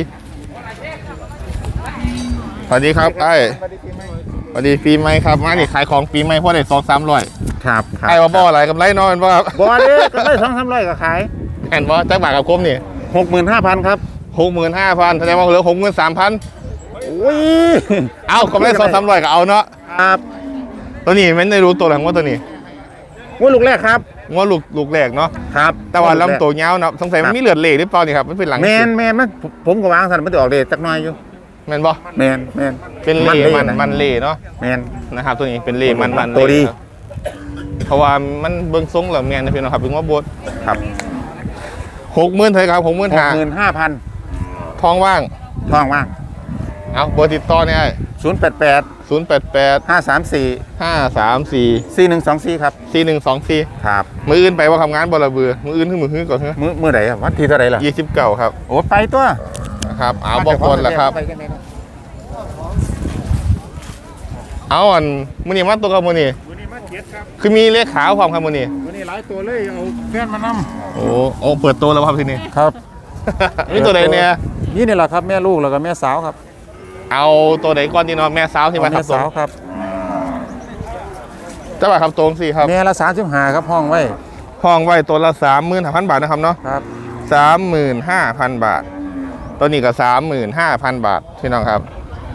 [SPEAKER 1] สวัสดีครับไอ้สวัสดีปีใหม่ครับ มาดิขายของปีใหม่พ่อได้สองสามร้อย
[SPEAKER 3] ครับครับ
[SPEAKER 1] ไอ้ว่าบ่อะไรกับไรน้อยเป็นบ่ครับ
[SPEAKER 3] บ่เด้ก็ได้สองสามร้อยก็ขาย
[SPEAKER 1] แอนบ่จักบาทกับคมนี่
[SPEAKER 3] หกหมื่นห้าพันครับ
[SPEAKER 1] หกหมื่นห้าพันแสดงว่าเหลือหกหมื่นสามพัน
[SPEAKER 3] โอ้ย
[SPEAKER 1] เอากำไรสองสามร้อยก็เอาเนาะ
[SPEAKER 3] ครับ
[SPEAKER 1] ตัวนี้ไม่ได้รู้ตัวหลังว่าตัวนี้
[SPEAKER 3] ว่าลูกแรกครับ
[SPEAKER 1] ว่าลูกลูกแรกเนาะ
[SPEAKER 3] ครับ
[SPEAKER 1] แต่ว่าลำตัวยาวเนาะสงสัยมันมีเลือดเหล่หรือเปล่านี่ครับมันเป็นหลัง
[SPEAKER 3] แมนแมนมันผมผมก็วางสันมันจะออกเดชจักหน่อยอยู่
[SPEAKER 1] แมนบ่
[SPEAKER 3] แมนแมน
[SPEAKER 1] เป็นเหล่
[SPEAKER 3] มัน
[SPEAKER 1] มัน
[SPEAKER 3] นะ
[SPEAKER 1] มันเหล่เนาะ
[SPEAKER 3] แมน
[SPEAKER 1] นะครับตัวนี้เป็นเหล่มันมัน
[SPEAKER 3] ตัวดี
[SPEAKER 1] เหล่ครับเพราะว่ามันเบิ่งทรงแล้วแมนนะพี่น้องครับเป็นว่าบด
[SPEAKER 3] ครับ
[SPEAKER 1] หกหมื่นเท่าไหร่ครับหกหมื่น
[SPEAKER 3] หก
[SPEAKER 1] ห้า
[SPEAKER 3] หมื่นห้าพัน
[SPEAKER 1] ทองว่าง
[SPEAKER 3] ทองว่าง
[SPEAKER 1] เอาเบอร์ติดต่อเนี่ย
[SPEAKER 3] ศูนย์แปดแปด
[SPEAKER 1] ศูนย์แปดแปด
[SPEAKER 3] ห้าสามสี่
[SPEAKER 1] ห้าสามสี่
[SPEAKER 3] สี่หนึ่งสองสี่ครับ
[SPEAKER 1] สี่หนึ่งสองสี่
[SPEAKER 3] ครับ
[SPEAKER 1] มืออื่นไปว่าทำงานบลาเบือมืออื่นขึ้นมือขึ้นก่อนเถอะ
[SPEAKER 3] มื้อมื้อไหนครับวันที่เท่าไหร่ล่ะ
[SPEAKER 1] ยี่สิบเก้าครับ
[SPEAKER 3] โอ้ไปตัว
[SPEAKER 1] นะครับเอาบอกคนแหละครับ
[SPEAKER 3] ไปกันเลย
[SPEAKER 1] เอาอันมือนี่มาตัวกับมือนี่คือมีเลขขาวความครับมือนี่
[SPEAKER 3] วันนี้หลายตัวเลยเอาแฟนมานำ
[SPEAKER 1] โอ้โอ้เปิดตัวแล้วครับทีนี้
[SPEAKER 3] ครับ
[SPEAKER 1] นี่ตัวไหนเนี่ย
[SPEAKER 3] นี่นี่แหละครับแม่ลูกแล้วก็แม่สาวครับ
[SPEAKER 1] เอาตัวไหนก่อนดีเนาะแม่สาวที่มา
[SPEAKER 3] แม่
[SPEAKER 1] ทับตัว
[SPEAKER 3] สาวครับ
[SPEAKER 1] เจ้าบ่าวครับตรงสี่ครับ
[SPEAKER 3] แม่ละสามสิบห้าครับห้องไว้
[SPEAKER 1] ห้องไว้ตัวละสามหมื่นห้าพันบาทนะครับเนาะ
[SPEAKER 3] ครับ
[SPEAKER 1] สามหมื่นห้าพันบาทตัวนี้ก็สามหมื่นห้าพันบาทพี่น้องครับ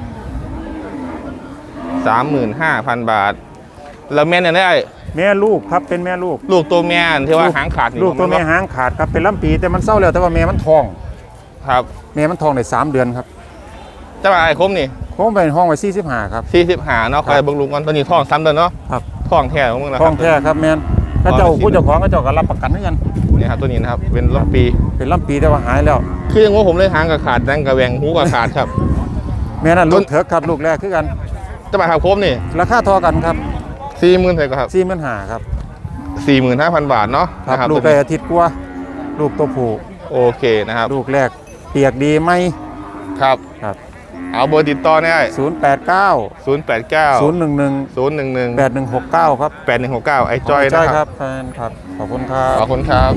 [SPEAKER 1] สามหมื่นห้าพันบาทแล้วแม่เนี่ยได้
[SPEAKER 10] แม่ลูกครับเป็นแม่ลูก
[SPEAKER 1] ลูกตัวแม่ที่ว่าหางขาดนี่
[SPEAKER 10] ลูกตัวแม่หางขาดครับเป็นลำปีแต่มันเศร้าแล้วแต่ว่าแม่มันทอง
[SPEAKER 1] ครับ
[SPEAKER 10] แม่มันทองได้สามเดือนครับ
[SPEAKER 1] จะมาไอ้คมนี่
[SPEAKER 10] ผมไปห้องไว้สี่สิบห้าครับ
[SPEAKER 1] สี่สิบหาเนาะคอยเบิ่งลูกกันตัวนี้ท้องซ้ำเดินเนาะ
[SPEAKER 10] ครับ
[SPEAKER 1] ท้องแท้ของมึงนะค
[SPEAKER 10] ท
[SPEAKER 1] รั
[SPEAKER 10] องแท้ครับแม่นก็เจ้าผู้เจ้าของก็เจ้าก็รับประกันให้กัน
[SPEAKER 1] นี่ครับตัวนี้นะครับเป็นลำปี
[SPEAKER 10] เป็นลำปีแต่ว่าหายแล้ว
[SPEAKER 1] คือยังว่าผมเลยหางกับขาดดังกับแหวงหูกับขาดครับ
[SPEAKER 10] แม่นั่นลูกเถิกครับลูกแรกคือกัน
[SPEAKER 1] จะมาครับคมนี่
[SPEAKER 10] ราคาเทอกันครับ
[SPEAKER 1] สี่หมื่นเท่าไหร่ครับ
[SPEAKER 10] สี่หมื่นห้าครับ
[SPEAKER 1] สี่หมื่นห้าพันบาทเนาะ
[SPEAKER 10] ครับ
[SPEAKER 1] นะ
[SPEAKER 10] ลูกได้อาทิตย์กว่าลูกตัวผู้
[SPEAKER 1] โอเคนะครับ
[SPEAKER 10] ลูกแรกเปียกดีไหม
[SPEAKER 1] ครับ
[SPEAKER 10] ครับ
[SPEAKER 1] เอาเบอร์ติดต่อได้
[SPEAKER 10] ศูนย์แปดเก้า
[SPEAKER 1] ศูนย์แปดเก้า
[SPEAKER 10] ศูนย์หนึ่งหนึ่ง
[SPEAKER 1] ศูนย์หนึ่งหนึ่ง
[SPEAKER 10] แปดหนึ่งหกเก้าครับ
[SPEAKER 1] แปดหนึ่งหกเก้าไอ้จอย
[SPEAKER 10] จ้
[SPEAKER 1] นะ
[SPEAKER 10] อย
[SPEAKER 1] ค
[SPEAKER 10] ค
[SPEAKER 1] รั
[SPEAKER 10] รั
[SPEAKER 1] บบ
[SPEAKER 10] แฟนครับขอบคุณครับ
[SPEAKER 1] ขอบคุณครับ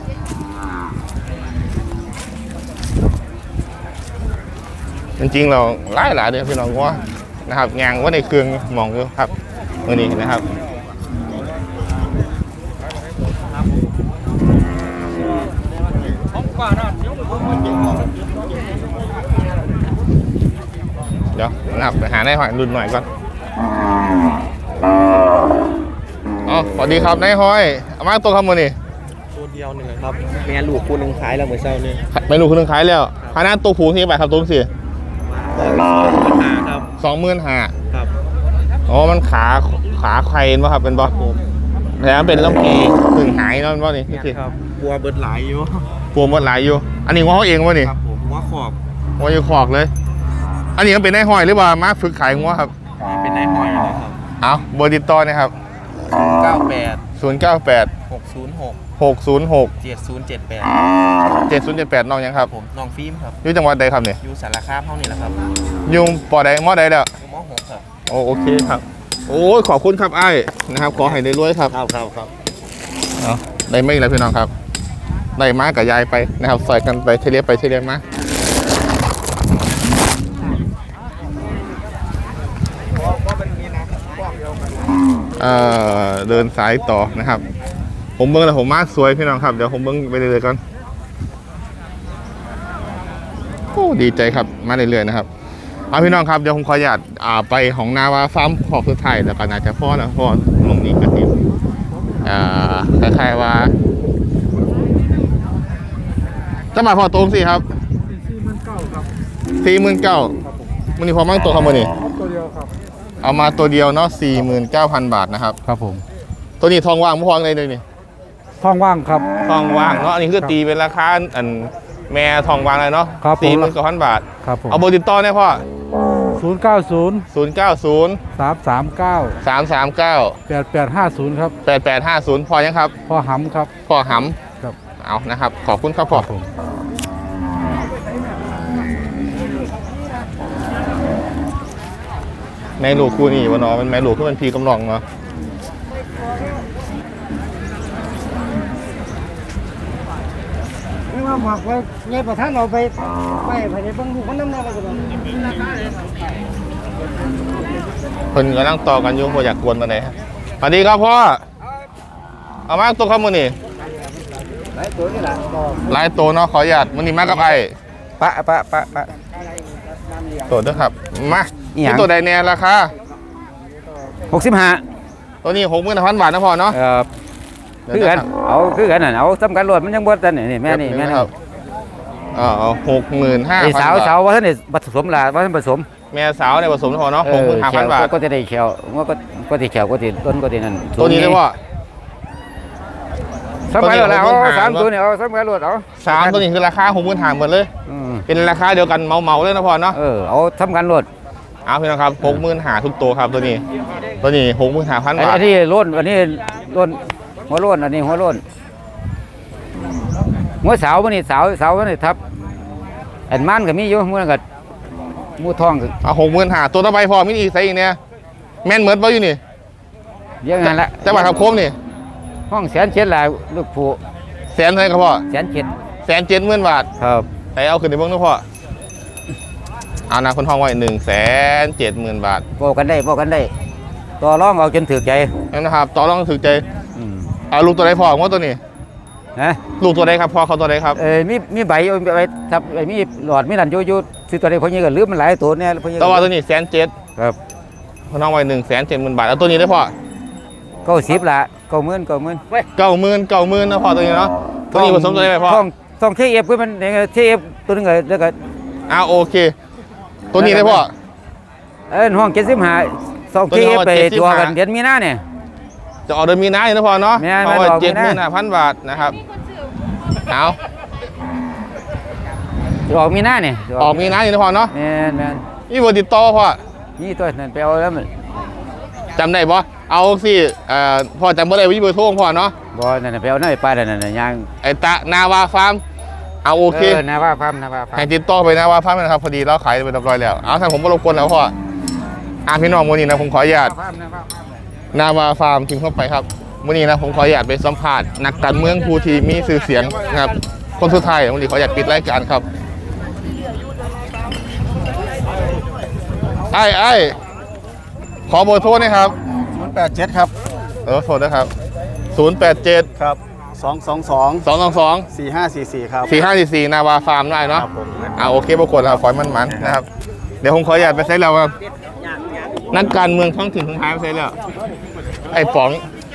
[SPEAKER 1] จริงๆเราไล่หลายเดือนพี่น้องว่านะครับงานว่าในเครื่องมองอยู่ครับมื่อนี้นะครับเดี๋ยวนะครับไปหาในหอยรุ่นหน่อยก่อนอ๋อสวัสดีครับนายหอยเอามาตัวคำมือนี่
[SPEAKER 11] ตัวเดียวหนึ่งครับแม่ลูกคู่หนึ่งขายแล้วเหมือนเช้านี่
[SPEAKER 1] ไม่รู้คุณนึงขายแล้วพานาตัวผูที่ไปครับตัวสี่
[SPEAKER 11] หาครับ
[SPEAKER 1] สองหมื่นห้า
[SPEAKER 11] ครับ
[SPEAKER 1] อ๋อมันขาขาใครป่ะครับเป็นบอส
[SPEAKER 11] ผม
[SPEAKER 1] แล้วเป็นลำพีถึงหายนั่นป่ะนี่พี่สิ
[SPEAKER 11] ครับบัวเบิดหลายอยู่
[SPEAKER 1] ปวดหมดหลายอยู่ อันนี้ว่าเขาเองวะนี่
[SPEAKER 11] ครับผมว่าขอบ
[SPEAKER 1] ว่าอยู่ขอกเลย อันนี้มันเป็นนายหอยหรือว่ามาฝึกขายงัวครับ
[SPEAKER 11] เป็นนายหอยเลยครับ
[SPEAKER 1] เอาเบอร์ติดต่อนะครับ
[SPEAKER 11] เก้าแปด
[SPEAKER 1] ศูนย์เก้าแปด
[SPEAKER 11] หกศูนย์หก
[SPEAKER 1] หกศูนย์หก
[SPEAKER 11] เจ็ดศูนย์เจ็ดแปด
[SPEAKER 1] เจ็ดศูนย์เจ็ดแปดน้องยังครับ
[SPEAKER 11] ผมน้องฟิล์มครับ
[SPEAKER 1] อยู่จังหวัดใดครับเนี่ย
[SPEAKER 11] อยู่สารคามเท่านี้แหละครับ
[SPEAKER 1] อยู่ปอใดมอใดแล้ว
[SPEAKER 11] อยู่มหกครับ
[SPEAKER 1] โอโอเคครับ โอ้ยขอบคุณครับไอ้นะครับ ขอให้ได้รวยครับ
[SPEAKER 11] ครับครับครับ
[SPEAKER 1] เอาได้ไม่แล้วพี่น้องครับได้มากับยายไปนะครับใส่กันไปเทเลียไปเทเลียมาเอ่อเดินสายต่อนะครับ ผมเบิ้งแล้วผมมาสวยพี่น้องครับเดี๋ยวผมเบิ้งไปเรื่อยๆก่อนโอ้ดีใจครับมาเรื่อยๆนะครับเอาพี่น้องครับเดี๋ยวผมขออนุญาตอ่าไปของนาวาฟาร์มขอบสุดท้ายแล้วก็น่าจะพ่อแล้วพ่อลงนี้กระติบอ่าคล้ายๆว่าจะมาพอตรงสิครับสี่หมื่นเก้ามันนี่พอมั่งตัวคำมันนี่
[SPEAKER 10] ตัวเดียวครับ
[SPEAKER 1] เอามาตัวเดียวเนาะสี่หมื่นเก้าพันบาทนะครับ
[SPEAKER 10] ครับผม
[SPEAKER 1] ตัวนี้ทองว่างไม่พองเลยเลยนี่
[SPEAKER 10] ท้องว่างครับ
[SPEAKER 1] ทองว่างเนาะอันนี้คือตีเป็นราคาอันแม่ทองว่างเลยเนาะ
[SPEAKER 10] ครับผม
[SPEAKER 1] สี่หมื่นเก้าพันบาท
[SPEAKER 10] ครับผม
[SPEAKER 1] เอาเบอร์ติดต่อเนี่ยพ่อ
[SPEAKER 10] ศูนย์เก้าศูนย์
[SPEAKER 1] ศูนย์เก้าศูนย์
[SPEAKER 10] สามสามเก้า
[SPEAKER 1] สามสามเก้า
[SPEAKER 10] แปดแปดห้าศูนย์ครับ
[SPEAKER 1] แปดแปดห้าศูนย์พอยังครับ
[SPEAKER 10] พ่อหำครับ
[SPEAKER 1] พ่อห
[SPEAKER 10] ครับ
[SPEAKER 1] ำเอานะครับ ขอบคุณครับพ่อ
[SPEAKER 10] ผม
[SPEAKER 1] แม่ลูกคู่นี้วะเนาะเป็นแม่ลูกที่เป็นพีกำลองเนาะ
[SPEAKER 5] ไม่ว่าหมักไว้ในประธานเราไปไปไปในบางลูกมันน้ำได้แล้วก็
[SPEAKER 1] เพิ่นกำลังต่อกันอยู่บ่อยากกวนมาไหนใดสวัสดีครับพ่อเอามาตัวข้าวมือนี่
[SPEAKER 5] หลายตัวนี่แหละ
[SPEAKER 1] หลายตัวเนาะขออนุญาตมือนี้มากับไอ้
[SPEAKER 5] ปะปะปะปะ
[SPEAKER 1] ตัวเด้อครับมา
[SPEAKER 5] อีหยัง
[SPEAKER 1] ที่ตัวใดแน่ราคา
[SPEAKER 5] หกสิบห้า
[SPEAKER 1] ตัวนี้หกหมื่นพันบาทนะพ่อเนาะ
[SPEAKER 5] เออคือกันเอาคือกันน่ะเอาสำคัญรวดมันยังบ่ทันนี่แม่นี่แม่นี่
[SPEAKER 1] ครับเออหกหมื่นห้า
[SPEAKER 5] ไอ้
[SPEAKER 1] พัน
[SPEAKER 5] สาว
[SPEAKER 1] บาท
[SPEAKER 5] สาวว่าท่านนี่ผสมละว่าท่านผสม
[SPEAKER 1] แม่สาวในผสมนะพ่อเนาะหกหมื่นห้าพันบาท
[SPEAKER 5] ก็จะได้เขียวว่าก็ก็ติเขียวก็ติต้นก็ตินั่น
[SPEAKER 1] ตัวนี้เลยว่า
[SPEAKER 5] สำคัญรวดแล้วเอาสามตัวนี่เอาสำคัญรวดเอา
[SPEAKER 1] สามตัวนี้คือราคาหกหมื่นห้าหมดเลย
[SPEAKER 5] อืม
[SPEAKER 1] เป็นราคาเดียวกันเมาๆเลยนะพ่อเนาะ
[SPEAKER 5] เออเอาสำคัญรวด
[SPEAKER 1] เอาพี่น้องครับหกหมื่นห้าทุกตัวครับตัวนี้ ตัวนี้หกหมื่นห้าพัน
[SPEAKER 5] ไอ้
[SPEAKER 1] บาท
[SPEAKER 5] อันนี้ล้นอันนี้ล้นหัวล้นอันนี้หัวล้นหัวสาวมันนี่สาวสาวมันนี่ทับอันมันก็มีอยู่มันก็มูทองก็
[SPEAKER 1] เอาหกหมื่นห้าตัวต่อไปพอมิอีกใส่อีกเนี่ยแม่นเหมือนบ่อยู่นี่
[SPEAKER 5] เยอะงั้นละ
[SPEAKER 1] แต่ว่าทำโคมนี่
[SPEAKER 5] ห้องแสนเจ็ดหลายลูกผู้
[SPEAKER 1] แสนเท่าไหร่ครับพ่อ
[SPEAKER 5] แสนเจ็ด
[SPEAKER 1] แสนเจ็ดหมื่นบาท
[SPEAKER 5] ครับ
[SPEAKER 1] แต่เอาขึ้นในเบื้องนะพ่อเอานะคนห้องไว้หนึ่งแสนเจ็ดหมื่นบาท
[SPEAKER 5] บอกกันได้บอกกันได้ต่อรองเอาจนถือใจ
[SPEAKER 1] นั่นนะครับต่อรองถึงใจ
[SPEAKER 5] อืม
[SPEAKER 1] เอาลูกตัวไหนพ่อว่าตัวนี้
[SPEAKER 5] ฮะ
[SPEAKER 1] ลูกตัวใดครับพ่อเขาตัวใดครับ
[SPEAKER 5] เอ้ยมีมีใบเอาไปทับไอ้มีหลอดมีนั่นอยู่อยู่ซื้อตัวใดพอนี้ก็ลืมมันหลายตัวเนี่ยพอนี้
[SPEAKER 1] ตัวตัวนี้แสนเจ็ด
[SPEAKER 5] ครับ
[SPEAKER 1] พน้องไว้หนึ่งแสนเจ็ดหมื่นบาทแล้วตัวนี้ได้พ่อ
[SPEAKER 5] เก้าสิบละเก้าหมื่นเก้าหมื่น
[SPEAKER 1] เก้าหมื่นเก้าหมื่นนะพ่อตัวนี้เนาะตัวนี้ผสมตัวได้ไหมพ่อ
[SPEAKER 5] ต้องต้องเทเอฟคือมันเทเอฟตัวนึงเลยแล้วก็
[SPEAKER 1] อ่าโอเค ตัวนี้ได้พ่อ
[SPEAKER 5] เอ้ยห้องเจ็ดสิบห้าสอง
[SPEAKER 1] ตัว
[SPEAKER 5] เท
[SPEAKER 1] นี้
[SPEAKER 5] เอฟ
[SPEAKER 1] ห้อง
[SPEAKER 5] ไป
[SPEAKER 1] เจ็ดสิบ
[SPEAKER 5] ตัว
[SPEAKER 1] ห้า
[SPEAKER 5] กันเดือนมีนาเนี่ย
[SPEAKER 1] จะออกเดือนมีนาอยู่นะพ่อเนาะ
[SPEAKER 5] แม่น
[SPEAKER 1] เพราะว่า
[SPEAKER 5] แม่นออก
[SPEAKER 1] เจ็ด
[SPEAKER 5] มี
[SPEAKER 1] หมื่
[SPEAKER 5] นา
[SPEAKER 1] นห้าพันบาทนะครับเอา
[SPEAKER 5] ออกมีนาเนี่ย
[SPEAKER 1] ออกมีนาอยู่นะพ่อเนาะ
[SPEAKER 5] แม่นแม่น
[SPEAKER 1] นี่บติดต่อพ่อ
[SPEAKER 5] นี่ตัวนั้นไปเอาแล้วมัน
[SPEAKER 1] จำได้ปะเอาสิเอ่อพ่อจำไม่ได้วิเบอร์โทรของพ่อเนาะ
[SPEAKER 5] บ่นั่นนะไปเอาหน้าไปป้านั่นน่ะย่าง
[SPEAKER 1] ไอตะนาวาฟาร์มเอาโอเค
[SPEAKER 5] นะว่าพามนะว่าพาม
[SPEAKER 1] ให้ติดต่อไปนาวาฟาร์มนะครับพอดีเราขายไปเรียบร้อยแล้วเอาท่านผมบรบกวนแล้วพ่ออ่าพี่น้องวันนี้นะผมขออนุญาต
[SPEAKER 5] พามนะว่าพาม
[SPEAKER 1] นาวาฟาร์มพิมพ์เข้าไปครับวันนี้นะผมขออนุญาตไปสัมภาษณ์นักการเมืองผู้ที่มีชื่อเสียงนะครับคนสุดท้ายวันนี้ขออนุญาตปิดรายการครับไอ้ไอ้ขอเบอร์โทรหนะครับ
[SPEAKER 10] ศูนย์แปดเจ็ดครับ
[SPEAKER 1] เออโทรนะครับศูนย์แปดเจ็ด
[SPEAKER 10] ครับสองสองสอง
[SPEAKER 1] สองสองสอง
[SPEAKER 10] สี่ห้าสี่สี่ครับ
[SPEAKER 1] สี่ห้าสี่สี่นาวาฟาร์มได้เนาะ
[SPEAKER 10] ครับผม
[SPEAKER 1] อ่าโอเคปรากฏครับขอให้มันมันนะครับเดี๋ยวผมขออนุญาตไปเซ็ตแล้วครับนักการเมืองท้องถิ่นของไทยไปเซ็ตแล้วไอ้ป๋อง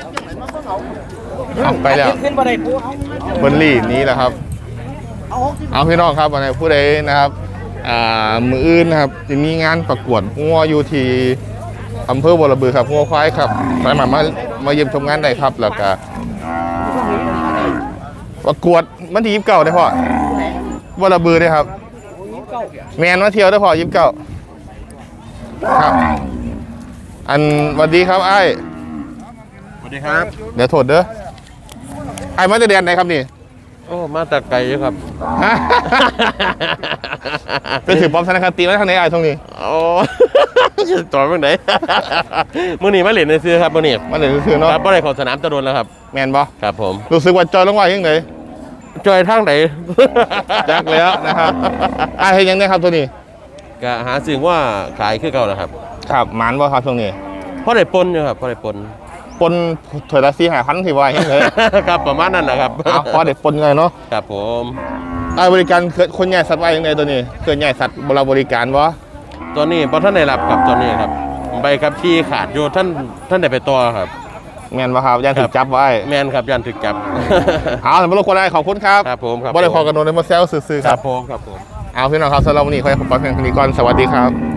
[SPEAKER 1] เอาไปแล้วเบนลี่นี้แหละครับ เอาพี่น้องครับวันนี้ผู้ใดนะครับอ่ามืออื่นนะครับจะมีงานประกวดงัวอยู่ที่อำเภอบัวระบือครับงัวควายครับสามารถมามาเยี่ยมชมงานได้ครับแล้วก็ประกวดมันที่ยิบเก่าได้พ่อบัวระบือได้ครับแมนมาเที่ยวได้พ่อยิบเก่าครับ อันสวัสดีครับไอ้
[SPEAKER 9] สวัสดีครับ
[SPEAKER 1] เดี๋ยวโทษเด้อไอ้มาจะเรียนไหนครับนี่
[SPEAKER 11] โอ้มาแต่ไกลอยู่ครับ
[SPEAKER 1] ไปถือปอมธนาคารตีมาทางไหนไอ้ตรงนี้
[SPEAKER 11] โอ้ จะต่อเมื่อไหน มื่อนี้มาเล่นในซื้อครับมื่อนี้
[SPEAKER 1] มาเดี๋ยวซื้อเนาะ
[SPEAKER 11] ครับบ่ได้เของสนามตะโดนแล้วครับ
[SPEAKER 1] แมนบอ
[SPEAKER 11] ครับผม
[SPEAKER 1] รู้สึกว่าจอยลงว่ายังไง
[SPEAKER 11] จอยทางไหน
[SPEAKER 1] จักแล้วนะครับไอ้เห็นยังไงครับตัวนี้
[SPEAKER 11] ก็หาสิ่งว่าขายคือเก่าแล้วครับ
[SPEAKER 1] ครับหมานบ่ครับตรงนี้
[SPEAKER 11] เพราะได้ปนอยู่ครับเพราะได้ปน
[SPEAKER 1] ปนถอยละสี่หาพันที่ว่ายังไง
[SPEAKER 11] ครับประมาณนั้นแหละครับ
[SPEAKER 1] เอาพอเด็ดปนไงเนาะ
[SPEAKER 11] ครับผม
[SPEAKER 1] ไอ้บริการเคลื่อนคนใหญ่สัตว์ว่ายังไงตัวนี้เคลื่อนใหญ่สัตว์เราบริการวะ
[SPEAKER 11] ตอนนี้พอท่านได้รับกับตอนนี้ครับใบขับขี่ขาดอยู่ท่านท่านได้ไปตัวครับ
[SPEAKER 1] แมนบ่ครับยันถูกจับไว้
[SPEAKER 11] แมนครับยันถึกจับ
[SPEAKER 1] เอาแต่ไม่รู้คนได้ขอบคุณครับ
[SPEAKER 11] ครับผมครับ
[SPEAKER 1] บ่ได้ขอกันโดนในมาแซวซื่อๆ
[SPEAKER 11] ค
[SPEAKER 1] ค
[SPEAKER 11] รั
[SPEAKER 1] รั
[SPEAKER 11] บบ ผมครับผม
[SPEAKER 1] เอาพี่น้องครับสำหรับวันนี้ขอให้ผมปลอดภัยกันดีก่อนสวัสดีครับ